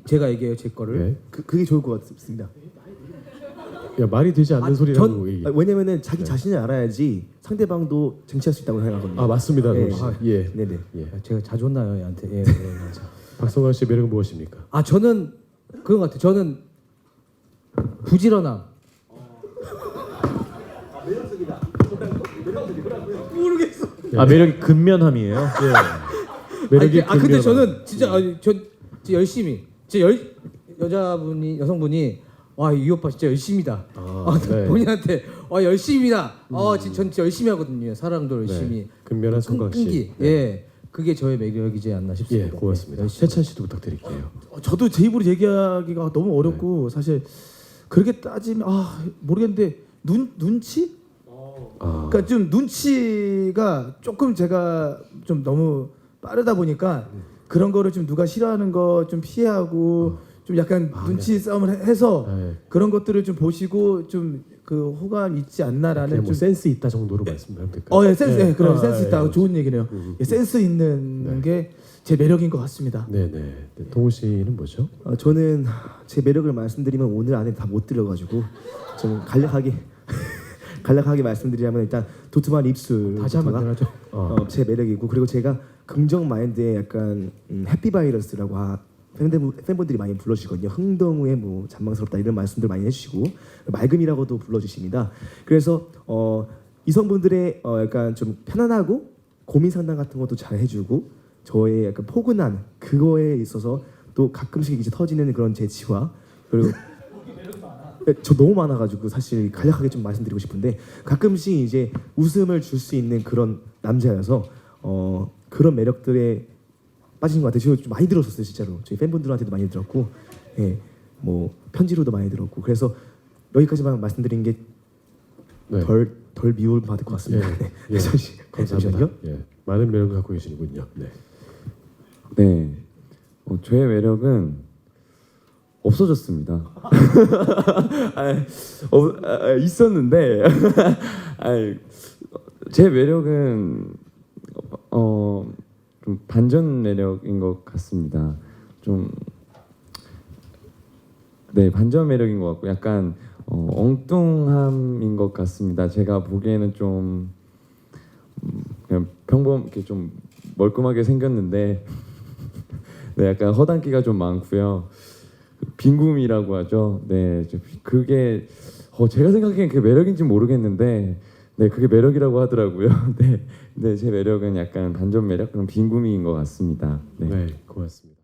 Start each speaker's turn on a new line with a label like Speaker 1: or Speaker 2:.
Speaker 1: 제가 얘기해요 제 거를.
Speaker 2: 네.
Speaker 3: 그게 좋을 것 같습니다.
Speaker 2: 야 말이 되지 않는 소리라고 얘기.
Speaker 3: 왜냐면은 자기 자신을 알아야지 상대방도 쟁취할 수 있다고 생각하거든요.
Speaker 2: 아 맞습니다.
Speaker 3: 예.
Speaker 2: 동훈 씨. 예.
Speaker 3: 네네.
Speaker 2: 예.
Speaker 1: 제가 자주 혼나요 얘한테. 예, 맞아.
Speaker 2: 박성환 씨의 매력은 무엇입니까?
Speaker 1: 아 저는 그런 것 같아요. 저는 부지런함. 모르겠어.
Speaker 4: 아 매력이 근면함이에요.
Speaker 2: 매력이
Speaker 1: 근데
Speaker 2: 근면함.
Speaker 1: 저는 진짜 전 진짜 열심히 여성분이 와 이 오빠 진짜 열심히다.
Speaker 2: 네.
Speaker 1: 본인한테 열심히다. 전 진짜 열심히 하거든요. 사랑도 열심히.
Speaker 2: 네. 근면한 성광 씨.
Speaker 1: 끈기.
Speaker 2: 네.
Speaker 1: 예. 그게 저의 매력이지 않나 싶습니다.
Speaker 2: 예, 고맙습니다.
Speaker 1: 열심히.
Speaker 2: 세찬 씨도 부탁드릴게요.
Speaker 3: 저도 제 입으로 얘기하기가 너무 어렵고 사실 그렇게 따지면 모르겠는데 눈치? 그러니까 좀 눈치가 조금 제가 좀 너무 빠르다 보니까 그런 거를 좀 누가 싫어하는 거 좀 피하고 좀 약간 눈치 싸움을 해서
Speaker 2: 네.
Speaker 3: 그런 것들을 좀 보시고 좀 그 호감 있지 않나라는
Speaker 2: 그냥 뭐
Speaker 3: 좀
Speaker 2: 센스 있다 정도로 말씀하면 될까요?
Speaker 3: 예, 센스, 예, 그럼 센스 있다.
Speaker 2: 예.
Speaker 3: 좋은 얘기네요. 예, 센스 있는 게 제 매력인 것 같습니다.
Speaker 2: 네네. 네, 동훈 씨는 뭐죠?
Speaker 3: 저는 제 매력을 말씀드리면 오늘 안에 다 못 들어가지고 좀 간략하게 말씀드리자면 일단 도톰한 입술
Speaker 1: 다시 한번 들어줘.
Speaker 3: 제 매력이고 그리고 제가 긍정 마인드의 약간 해피 바이러스라고 팬분들이 많이 불러주시거든요. 흥덩우에 뭐 잔망스럽다 이런 말씀들 많이 해주시고 맑음이라고도 불러주십니다. 그래서 이성분들의 약간 좀 편안하고 고민 상담 같은 것도 잘 해주고 저의 약간 포근한 그거에 있어서 또 가끔씩 이제 터지는 그런 재치와 그리고 저 너무 많아가지고 사실 간략하게 좀 말씀드리고 싶은데 가끔씩 이제 웃음을 줄 수 있는 그런 남자여서 그런 매력들에 빠지는 것 같아요. 제가 좀 많이 들었었어요, 진짜로. 저희 팬분들한테도 많이 들었고, 예, 뭐 편지로도 많이 들었고, 그래서 여기까지만 말씀드린 게 덜 미움 받을 것 같습니다.
Speaker 2: 예,
Speaker 3: 네,
Speaker 2: 예. 감사합니다.
Speaker 3: 잠시만요.
Speaker 2: 예, 많은 매력을 갖고 계시는군요. 네.
Speaker 5: 네, 저의 매력은 없어졌습니다. 있었는데 제 매력은 좀 반전 매력인 것 같습니다. 반전 매력인 것 같고 약간 엉뚱함인 것 같습니다. 제가 보기에는 좀 그냥 평범하게 좀 멀끔하게 생겼는데 네, 약간 허당기가 좀 많고요. 빈굼이라고 하죠. 네, 그게 제가 생각하기엔 그게 매력인지 모르겠는데, 네, 그게 매력이라고 하더라고요. 네, 제 매력은 약간 반전 매력, 그런 빈굼인 것 같습니다. 네,
Speaker 2: 네, 고맙습니다.